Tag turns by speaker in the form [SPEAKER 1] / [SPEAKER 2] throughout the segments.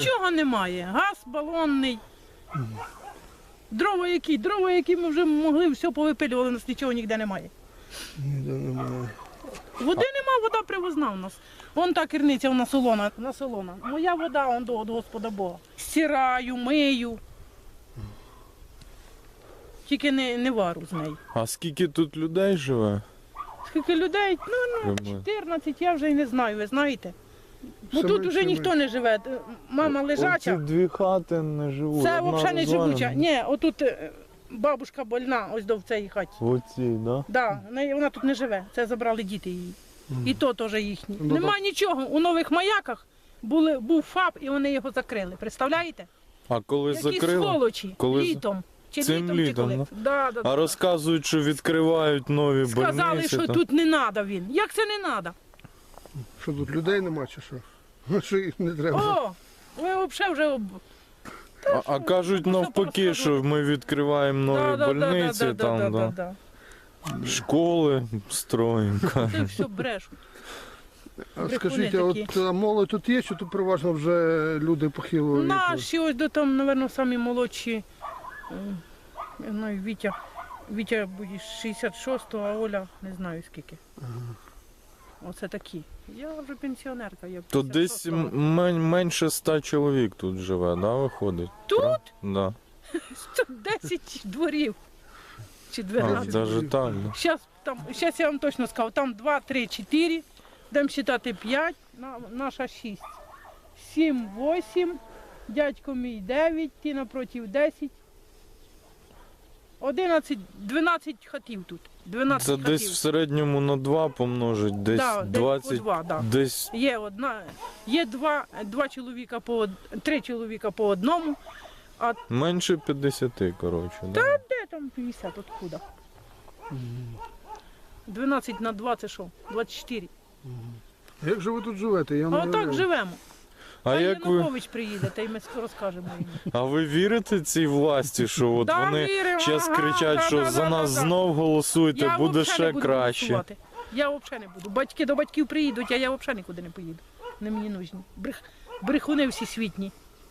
[SPEAKER 1] Нічого немає. Газ балонний. Дрова які ми вже могли, все повипилювали, у нас нічого ніде немає.
[SPEAKER 2] Ніде немає.
[SPEAKER 1] Води нема, вода привозна у нас. Вон та керниця, вона солона. Моя вода, он до Господа Бога. Стираю, мию. Тільки не вару з нею.
[SPEAKER 3] А скільки тут людей живе?
[SPEAKER 1] Скільки людей? Ну,
[SPEAKER 3] Примерно.
[SPEAKER 1] 14, я вже й не знаю, ви знаєте. Бо
[SPEAKER 2] Все
[SPEAKER 1] тут
[SPEAKER 2] менше
[SPEAKER 1] вже
[SPEAKER 2] і
[SPEAKER 1] ніхто не живе. Мама
[SPEAKER 3] Оці
[SPEAKER 1] лежача.
[SPEAKER 3] дві хати не живуть.
[SPEAKER 1] Це
[SPEAKER 3] одна
[SPEAKER 1] взагалі не
[SPEAKER 3] розвалена.
[SPEAKER 1] живуча. Ні, отут бабушка больна, ось до в цій хаті.
[SPEAKER 3] В оцій, да?
[SPEAKER 1] Да, вона тут не живе. Це забрали діти її. І то теж їхні.
[SPEAKER 2] Ну,
[SPEAKER 1] Нема
[SPEAKER 2] так.
[SPEAKER 1] нічого. У Нових Маяках був ФАП і вони його закрили. Представляєте?
[SPEAKER 3] А коли
[SPEAKER 1] Які
[SPEAKER 3] закрили?
[SPEAKER 1] сволочі.
[SPEAKER 3] Коли
[SPEAKER 1] Літом. Чи
[SPEAKER 3] Цим
[SPEAKER 1] чи
[SPEAKER 3] літом,
[SPEAKER 1] коли?
[SPEAKER 3] да?
[SPEAKER 1] Да.
[SPEAKER 3] А розказують, що відкривають нові
[SPEAKER 1] Сказали,
[SPEAKER 3] больниці.
[SPEAKER 1] що
[SPEAKER 3] там.
[SPEAKER 1] тут не треба він. Як це не треба?
[SPEAKER 2] Що тут людей нема чи що? Що їх не треба?
[SPEAKER 1] О, ви взагалі вже...
[SPEAKER 3] А кажуть
[SPEAKER 1] Можна
[SPEAKER 3] навпаки,
[SPEAKER 1] порозказувати.
[SPEAKER 3] що ми відкриваємо нові больниці, там,
[SPEAKER 1] да.
[SPEAKER 3] школи строїмо.
[SPEAKER 1] Це все брешуть.
[SPEAKER 2] А
[SPEAKER 1] брехуни
[SPEAKER 2] скажіть,
[SPEAKER 1] такі.
[SPEAKER 2] от молодь тут є, чи тут переважно вже люди похилого віку?
[SPEAKER 1] Наші ось до там, мабуть, самі молодші. Я знаю, Вітя буде 66-го, а Оля не знаю скільки. Оце такі. Я вже пенсіонерка. Я
[SPEAKER 3] То десь
[SPEAKER 1] 56-го.
[SPEAKER 3] менше 100 чоловік тут живе, да, виходить?
[SPEAKER 1] Тут?
[SPEAKER 3] Да.
[SPEAKER 1] 10 дворів. Чи
[SPEAKER 3] А,
[SPEAKER 1] 12.
[SPEAKER 3] навіть так. Да.
[SPEAKER 1] Щас я вам точно скажу, там 2, 3, 4, будемо вважати 5, наша 6. 7, 8, дядько мій 9, ті напротив 10. 11, 12 хатів тут. 12
[SPEAKER 3] Це
[SPEAKER 1] хатів.
[SPEAKER 3] десь в середньому на 2 помножить, десь
[SPEAKER 1] Да, десь
[SPEAKER 3] 20,
[SPEAKER 1] по 2, да.
[SPEAKER 3] десь
[SPEAKER 1] Є два чоловіка три чоловіка по одному,
[SPEAKER 3] менше 50, коротше. Да.
[SPEAKER 1] де там 50, откуда? 12 на 2 це що? 24.
[SPEAKER 2] Як же ви тут живете? Я не
[SPEAKER 1] А так
[SPEAKER 2] уявляю.
[SPEAKER 1] живемо.
[SPEAKER 3] А як ви,
[SPEAKER 1] Янукович приїде, та й ми розкажемо йому.
[SPEAKER 3] а ви вірите цій власті, що от
[SPEAKER 1] Да,
[SPEAKER 3] вони
[SPEAKER 1] віримо,
[SPEAKER 3] зараз
[SPEAKER 1] ага,
[SPEAKER 3] кричать, що
[SPEAKER 1] да,
[SPEAKER 3] за
[SPEAKER 1] да,
[SPEAKER 3] нас
[SPEAKER 1] да.
[SPEAKER 3] знов голосуйте,
[SPEAKER 1] Я
[SPEAKER 3] буде
[SPEAKER 1] взагалі не
[SPEAKER 3] ще
[SPEAKER 1] буду
[SPEAKER 3] краще.
[SPEAKER 1] голосувати. Я взагалі не буду. Батьки до батьків приїдуть, а я взагалі нікуди не поїду. Не мені нужні. Брехуни всі світні.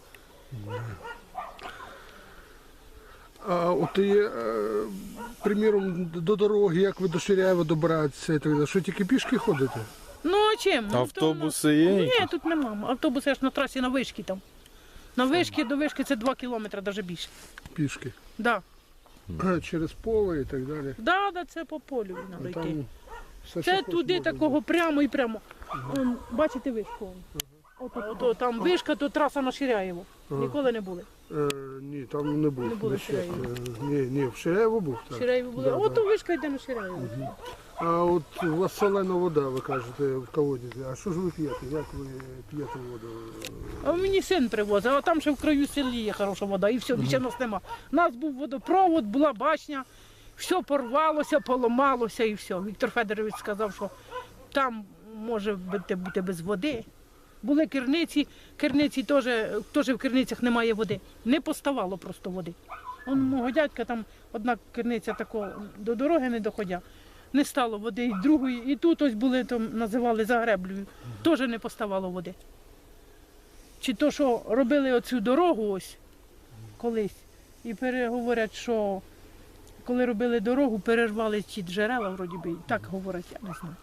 [SPEAKER 2] А от є, приміром, до дороги, як ви до Ширяєва добиратися і так далі. Що тільки пішки ходите?
[SPEAKER 1] Ну а чим? Ну,
[SPEAKER 3] Автобуси є?
[SPEAKER 1] Ні,
[SPEAKER 3] якісь?
[SPEAKER 1] тут нема. Автобуси аж на трасі на вишки там. На вишки до вишки це 2 кілометри, навіть більше.
[SPEAKER 2] Пішки.
[SPEAKER 1] Да.
[SPEAKER 2] Через поле і так далі.
[SPEAKER 1] Да, це по полю
[SPEAKER 2] А
[SPEAKER 1] треба йти.
[SPEAKER 2] там все,
[SPEAKER 1] Це
[SPEAKER 2] що
[SPEAKER 1] туди
[SPEAKER 2] можна.
[SPEAKER 1] такого прямо і прямо. Он, бачите вишку? Ото там вишка, то траса на Ширяєво. Ніколи не були.
[SPEAKER 2] Ні, там не був.
[SPEAKER 1] Не були в
[SPEAKER 2] ще.
[SPEAKER 1] Ширяєві.
[SPEAKER 2] Ні, в Ширяєво був. Так.
[SPEAKER 1] Ширяєво були.
[SPEAKER 2] Да,
[SPEAKER 1] Ото вишка йде на Ширяєво.
[SPEAKER 2] А от у вас солена вода, ви кажете, в колодязі. А що ж ви п'єте? Як ви п'єте воду?
[SPEAKER 1] А мені син привозив, а там ще в краю селі є хороша вода, і все, більше нас нема. У нас був водопровод, була башня, все порвалося, поламалося і все. Віктор Федорович сказав, що там може бути без води. Були керниці теж в керницях немає води. Не поставало просто води. Он мого дядька там одна керниця такого до дороги не доходя. Не стало води, і другої, і тут ось були, там називали Загреблею, теж не поставало води. Чи то, що робили оцю дорогу ось колись, і говорять, що коли робили дорогу, перервали ті джерела, вроді би, так говорять, я не знаю.